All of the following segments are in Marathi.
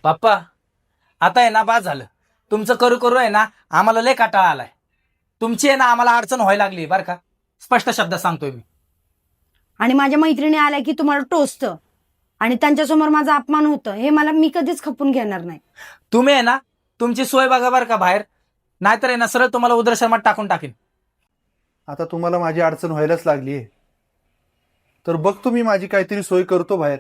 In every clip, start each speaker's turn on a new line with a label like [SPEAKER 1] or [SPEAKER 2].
[SPEAKER 1] पप्पा आता आहे ना, बाद झालं. तुमचं करू करू आहे ना, आम्हाला लय काटाळा आलाय. तुमची आहे ना आम्हाला अडचण व्हायला लागली बरं का. स्पष्ट शब्दात सांगतोय मी.
[SPEAKER 2] आणि माझ्या मैत्रिणी आल्या की तुम्हाला टोचतं आणि त्यांच्यासमोर माझा अपमान होतं, हे मी कधीच खपून घेणार नाही.
[SPEAKER 1] तुम्ही आहे ना तुमची सोय बघा बरं का बाहेर, नाहीतर आहे ना सरळ तुम्हाला उद्रशर्मात टाकून टाकीन.
[SPEAKER 3] आता तुम्हाला माझी अडचण व्हायलाच लागली आहे, तर बघतो मी माझी काहीतरी सोय करतो बाहेर.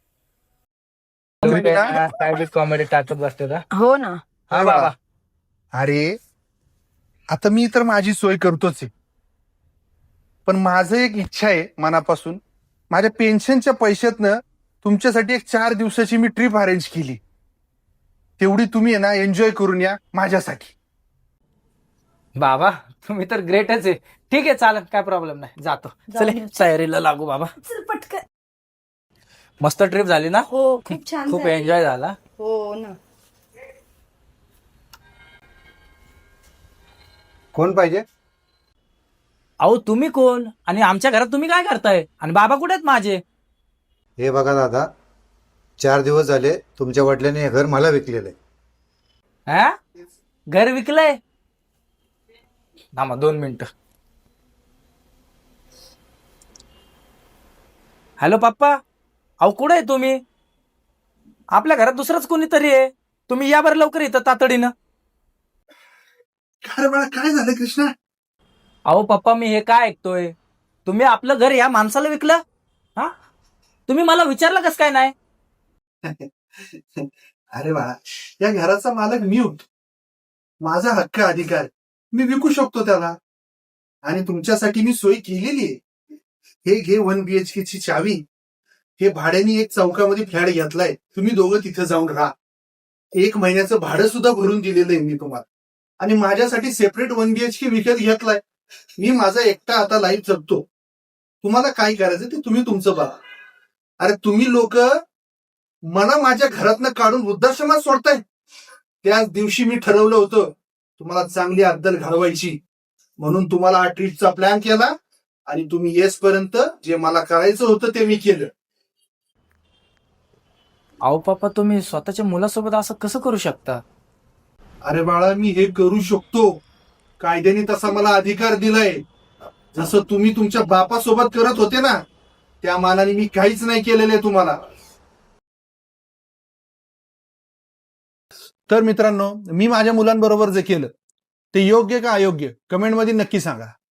[SPEAKER 1] काय कॉमेडी टाकत बसते का?
[SPEAKER 2] हो ना.
[SPEAKER 1] हा बाबा.
[SPEAKER 3] अरे आता मी तर माझी सोय करतोच आहे, पण माझं एक इच्छा आहे मनापासून, माझ्या पेन्शनच्या पैशातनं तुमच्यासाठी एक 4 दिवसाची मी ट्रिप अरेंज केली. तेवढी तुम्ही आहे ना एन्जॉय करून या माझ्यासाठी.
[SPEAKER 1] बाबा तुम्ही तर ग्रेटच आहे. ठीक आहे चालेल, काय प्रॉब्लेम नाही, जातो. चले तयारीला लागू बाबा.
[SPEAKER 2] चल पटकन.
[SPEAKER 1] मस्त ट्रिप झाली ना?
[SPEAKER 2] हो खूप छान
[SPEAKER 1] खूप
[SPEAKER 2] झालं.
[SPEAKER 1] एन्जॉय झाला.
[SPEAKER 2] हो ना.
[SPEAKER 4] कोण पाहिजे?
[SPEAKER 1] अहो तुम्ही कोण आणि आमच्या घरात तुम्ही काय करताय? आणि बाबा कुठे आहेत माझे?
[SPEAKER 4] हे बघा दादा, 4 दिवस झाले तुमच्या वडिलांनी हे घर मला विकलेलं आहे.
[SPEAKER 1] हा घर विकलंय? थांबा 2 मिनिटं. हॅलो पप्पा, अहो कुठे आहे तुम्ही? आपल्या घरात दुसरंच कोणीतरी आहे. तुम्ही या बरं लवकर इथं तातडीनं.
[SPEAKER 3] अरे बाळा काय झालं कृष्णा?
[SPEAKER 1] अहो पप्पा मी हे काय ऐकतोय, तुम्ही आपलं घर या माणसाला विकलं? हा तुम्ही मला विचारलं कसं काय नाही?
[SPEAKER 3] अरे बाळा, या घराचा मालक मी होतो. माझा हक्क अधिकार मी विकू शकतो त्याला, आणि तुमच्यासाठी मी सोय केलेली आहे. हे घे 1 BHK ची चावी. हे भाड्याने एक चौकामध्ये फ्लॅट घेतलाय, तुम्ही दोघं तिथे जाऊन राहा. 1 महिन्याचं भाडं सुद्धा भरून दिलेलं आहे मी तुम्हाला, आणि माझ्यासाठी सेपरेट 1 BHK विकत घेतलाय. मी माझा एकटा आता लाईफ जगतो. तुम्हाला काय करायचं ते तुम्ही तुमचं बघा. अरे तुम्ही लोक मला माझ्या घरातनं काढून वृद्धाश्रमात सोडताय. त्याच दिवशी मी ठरवलं होतं तुम्हाला चांगली अद्दल घडवायची, म्हणून तुम्हाला हा ट्रिपचा प्लॅन केला, आणि तुम्ही येसपर्यंत जे मला करायचं होतं ते मी केलं.
[SPEAKER 1] अहो पप्पा तुम्ही स्वतःच्या मुलासोबत असं कसं करू शकता?
[SPEAKER 3] अरे बाळा, मी हे करू शकतो. कायद्याने तसा मला अधिकार दिलाय. जसं तुम्ही तुमच्या बापासोबत करत होते ना, त्या मानाने मी काहीच नाही केलेलं आहे तुम्हाला. तर मित्रांनो, मी माझ्या मुलांबरोबर जे केलं ते योग्य का अयोग्य कमेंटमध्ये नक्की सांगा.